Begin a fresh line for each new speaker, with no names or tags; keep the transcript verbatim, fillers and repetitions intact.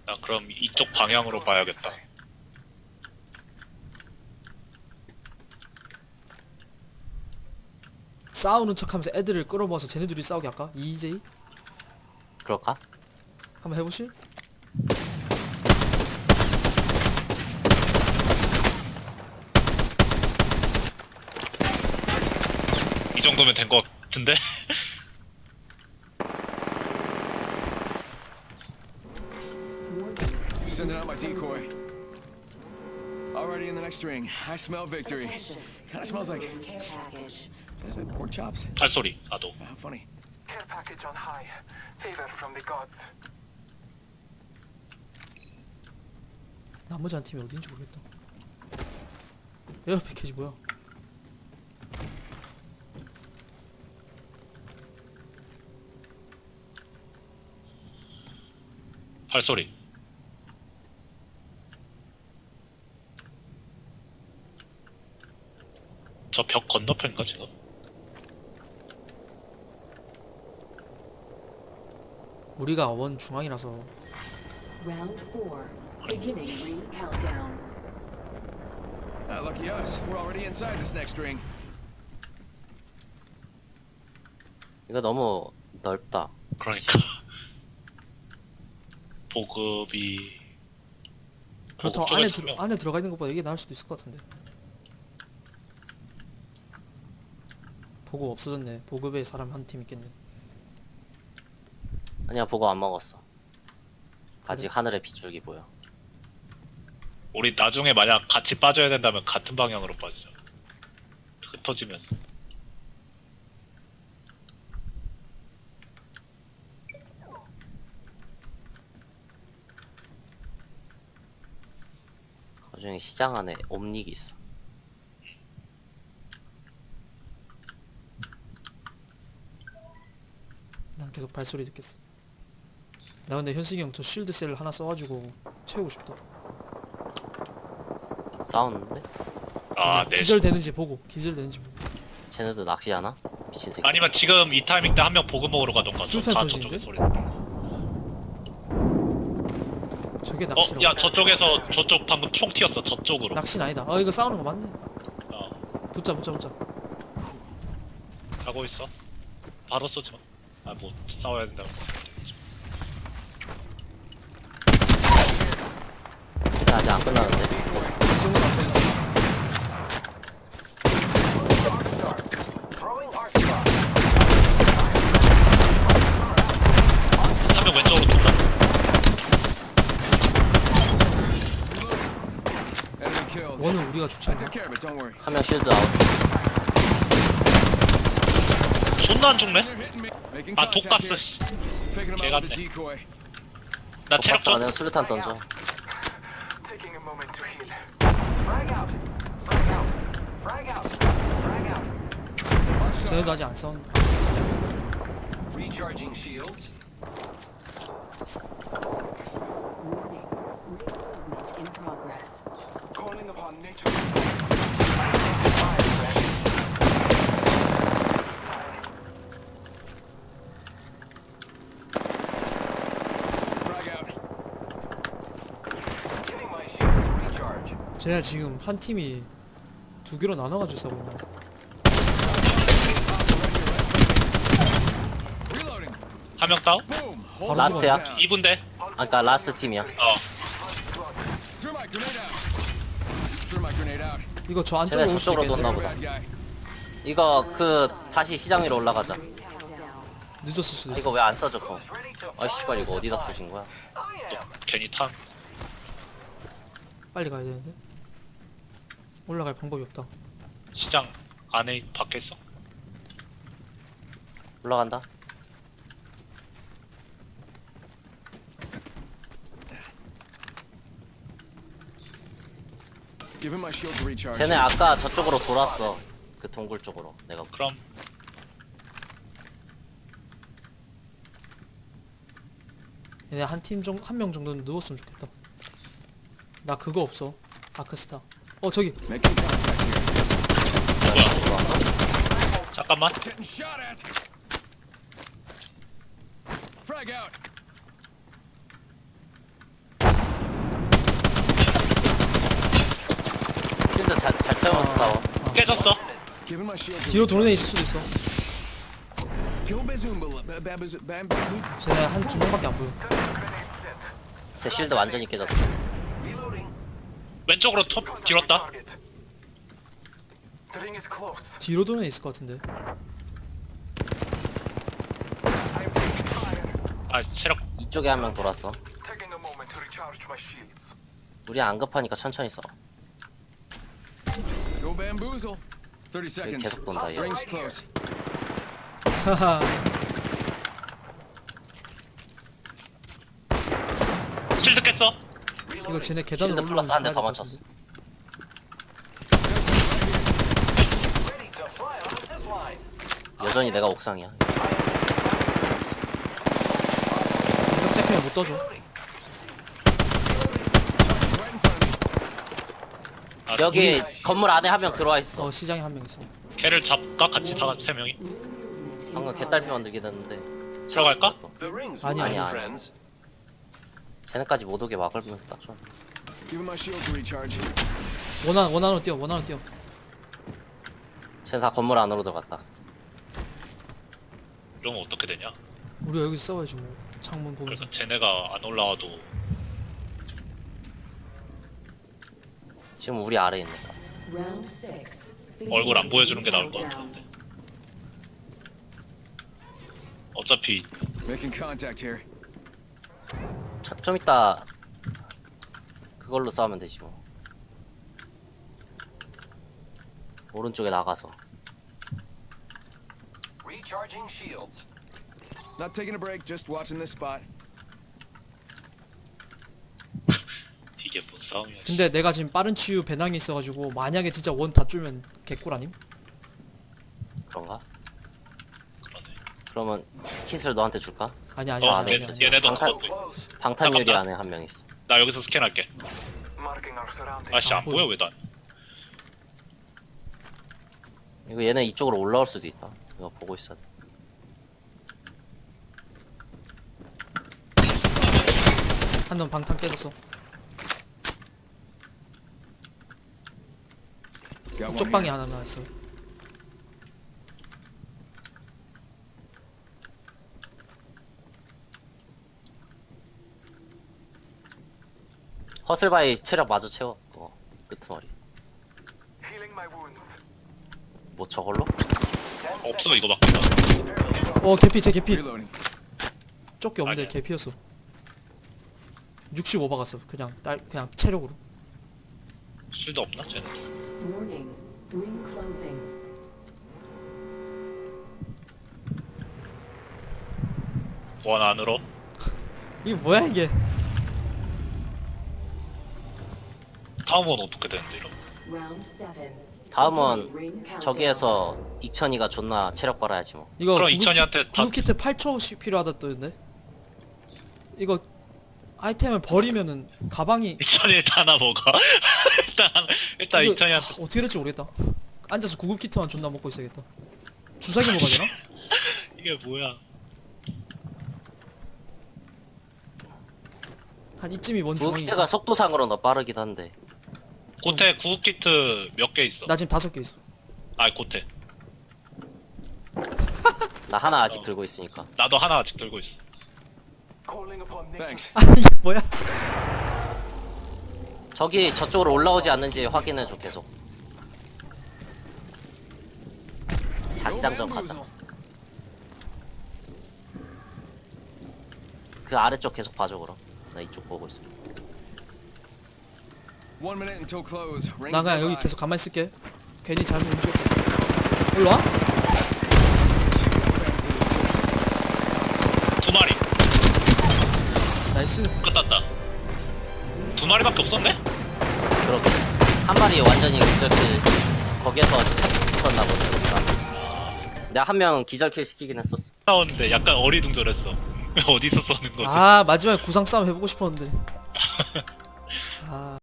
나 그럼 이쪽 방향으로 봐야겠다.
싸우는 척하면서 애들을 끌어모아서 쟤네들이 싸우게 할까? 이제이?
그럴까?
한번 해보실?
이 정도면 된 것 같은데?
Sending out my decoy. Already in the next ring. I smell victory. Kind of smells like.
Care package.
Is it pork chops?
발소리. 나도.
How funny.
Care package on high. Favor from the gods.
나머지 한 팀이 어딘지 모르겠다. 에어 패키지 뭐야?
발소리. 저 벽 건너편인가 지금?
우리가 원 중앙이라서
Round four. Beginning ring countdown.
Ah, lucky us. We're already inside this next ring.
이거 너무 넓다.
그러니까 보급이
그렇다고
보급
안에
쪽에서
들
명-
안에 들어가 있는 것보다 이게 나을 수도 있을 것 같은데. 보급 없어졌네. 보급에 사람 한 팀 있겠네.
아니야, 보고 안 먹었어. 아직 하늘의 비줄기 보여.
우리 나중에 만약 같이 빠져야 된다면 같은 방향으로 빠지자. 흩어지면
그 중에 시장 안에 옴닉이 있어.
난 계속 발소리 듣겠어. 나 근데 현승이 형 저 쉴드 셀 하나 써가지고 채우고 싶다.
싸우는데?
아, 네.
기절되는지 보고 기절되는지 보고.
쟤네도 낚시하나? 미친 새끼.
아니면 지금 이 타이밍 때 한 명 보급 먹으러 가던가.
술탄
다
터지는데?
저쪽에 소리.
저게
어,
낚시라고.
야 저쪽에서 저쪽 방금 총 튀었어. 저쪽으로.
낚시는 아니다. 어 이거 싸우는 거 맞네.
어,
붙자 붙자 붙자.
가고 있어. 바로 쏘지 마. 아, 뭐 싸워야 된다고.
일단 아직 안 끝나는데.
이 정도 안 된다.
Throwing arc star.
한 명 왼쪽으로 돈다.
Enemy killed.
원은 우리가 좋지
I
않나?
took care of it. Don't worry.
한 명 쉴드 아웃.
존나 안 죽네?
They're hitting me. Making
아,
contact
독가스.
here.
씨.
Faking them
개
out with
같네.
a decoy.
나 체력
독가스가
좀.
내가 수류탄 던져.
Taking a moment to heal. Frag out. Frag out. Frag out. Frag out.
Watch
쟤네도
out.
아직 안 싸운.
Recharging shields.
Warning. Ring movement in progress.
Calling upon nature's strength. Fire, friend.
Frag out.
Giving my shields a recharge.
쟤네 지금 한 팀이 두 개로 나눠가지고 싸우고 있나?
Reloading.
한 명 다운?
Boom.
바로
Hold
라스트야?
down.
이 분대.
아까 라스트 팀이야.
어.
Threw my grenade out. Threw my grenade out.
이거 저 안쪽으로
쟤네
올 수도
저쪽으로
있겠네.
떴나
They're
보다.
a bad guy.
이거 그 다시 시장 위로 올라가자.
Ring countdown.
늦었을 수도
아,
있어.
이거 왜 안 써져 그거?
Ready to
아 씨발 이거 어디다 쓰신 거야?
I am.
괜히 탄.
빨리 가야 되는데. 올라갈 방법이 없다.
시장 안에 밖에 있어?
올라간다.
Give him my shield to recharge.
쟤네 아까 저쪽으로 돌았어. 그 동굴 쪽으로. 내가
그럼
얘네 한 팀 정 한 명 정도는 누웠으면 좋겠다. 나 그거 없어. 아크스타. 어 저기
Making contact here.
잠깐만.
Getting shot at. Frag out.
싸워.
깨졌어.
Giving my shield.
뒤로 도는 애 있을 수도 있어.
Kill Bazoomba. Ba- Babazo- Bam Bam.
쟤네 한 두 명밖에 안 보여.
제 실드 완전히 깨졌어.
Reloading.
왼쪽으로 톱
Contact with
뒤었다.
target. The ring is close.
뒤로 도는 애 있을 것 같은데.
I am taking fire.
아 체력
이쪽에 한 명 돌았어.
Taking a moment to recharge my shields.
우리 안 급하니까 천천히 써.
Go bamboozle. Thirty
여기
seconds.
계속 돈다 얘.
Ring's close.
하하.
실드 깼어.
이거 쟤네 계단으로
실드 플러스
올라오는
한 대 더
것
맞췄어.
같은데.
Ready to fly on the zip line.
여전히 내가 옥상이야.
이거 잡히면 못 떠줘.
Right in front of me.
아,
여기 건물 안에 한 명 들어와 있어.
어 시장에 한 명 있어.
걔를 잡까 같이 다 세 명이.
방금 개딸피 만들게 됐는데.
들어갈까?
The ring's
아니,
아니, 아니.
friends.
쟤네까지 못 오게 막으면 딱 좋아.
Giving my shield to recharge.
원한 원한으로 뛰어. 원한으로 뛰어.
쟤네 다 건물 안으로 들어갔다.
이러면 어떻게 되냐?
우리가 여기서 싸워야지 뭐. 창문 보면서.
그래서 쟤네가 안 올라와도
지금 우리 아래에 있는 거야.
Round six.
얼굴 안 보여주는 게 나을 것
Countdown.
같은데. 어차피
Making contact here.
저- 좀 이따 그걸로 싸우면 되지 뭐. 오른쪽에 나가서.
Recharging shields.
Not taking a break. Just watching this spot.
이게 뭔 싸움이야. 씨.
근데 내가 지금 빠른 치유 배낭이 있어가지고 만약에 진짜 원 다 쫄면 개꿀 아님?
그런가?
그러네.
그러면 kit을 너한테 줄까?
아니 아니
어,
아니
얘-
아니, 아니.
얘네도
방탄-
어,
Close.
방탄유리
잠깐만.
안에 한 명 있어.
나 여기서 스캔할게.
Marking our surroundings.
아씨
아,
안
보여.
보여 왜 난?
이거 얘네 이쪽으로 올라올 수도 있다. 이거 보고 있어.
한 놈 방탄 깨졌어.
Got one
쪽 방에
here.
하나 나왔어.
허슬바이 체력 마저 채워. 어, 끄트머리.
Healing my wounds.
뭐 저걸로?
Ten
없어
seconds.
이거밖에.
어 개피 제 개피.
Reloading.
쫓기 없는데
아니야.
개피였어. 육십오 박았어. 그냥 딸 그냥 체력으로.
실드 없나 쟤네?
Warning. Ring closing.
원 안으로.
이게 뭐야 이게?
다음 원 어떻게 되는데 이러면?
Round seven.
다음은
Ring countdown.
저기에서 익천이가 존나 체력 빨아야지 뭐.
이거
그럼
구급
이천이한테
키-
다-
구급 키트 팔 초씩 필요하다던데. 이거 아이템을 버리면은 가방이
이천이 일단 하나 먹어. 일단 일단
이거-
이천이한테
아, 어떻게 될지 모르겠다. 앉아서 구급 키트만 존나 먹고 있어야겠다. 주사기 먹어야 되나?
이게 뭐야?
한 이쯤이 뭔 주머니?
구급기가 속도상으로 더 빠르긴 한데.
고태 구급 키트 몇 개 있어?
나 지금 다섯 개 있어.
아 고태.
나 하나 아직 들고 있으니까.
나도 하나 아직 들고 있어.
Calling upon nature.
Thanks.
아 이게 뭐야?
저기 저쪽으로 올라오지 않는지 확인해줘 계속. 자기장전 가자. 그 아래쪽 계속 봐줘 그럼. 나 이쪽 보고 있어.
One minute until close. Ring's
나 그냥 여기
nearby.
계속 가만히 있을게. 괜히 잘못 움직였다. 일로 와?
두 마리
나이스.
끝났다. 두 마리밖에 없었네?
그러게. 한 마리 완전히 기절킬 거기에서 시켰었나 보네. 그러니까. 내가 한 명 기절킬 시키긴 했었어.
나오는데 약간 어리둥절했어. 어디서 쏘는 거지?
아 마지막에 구상 싸움 해보고 싶었는데. 아.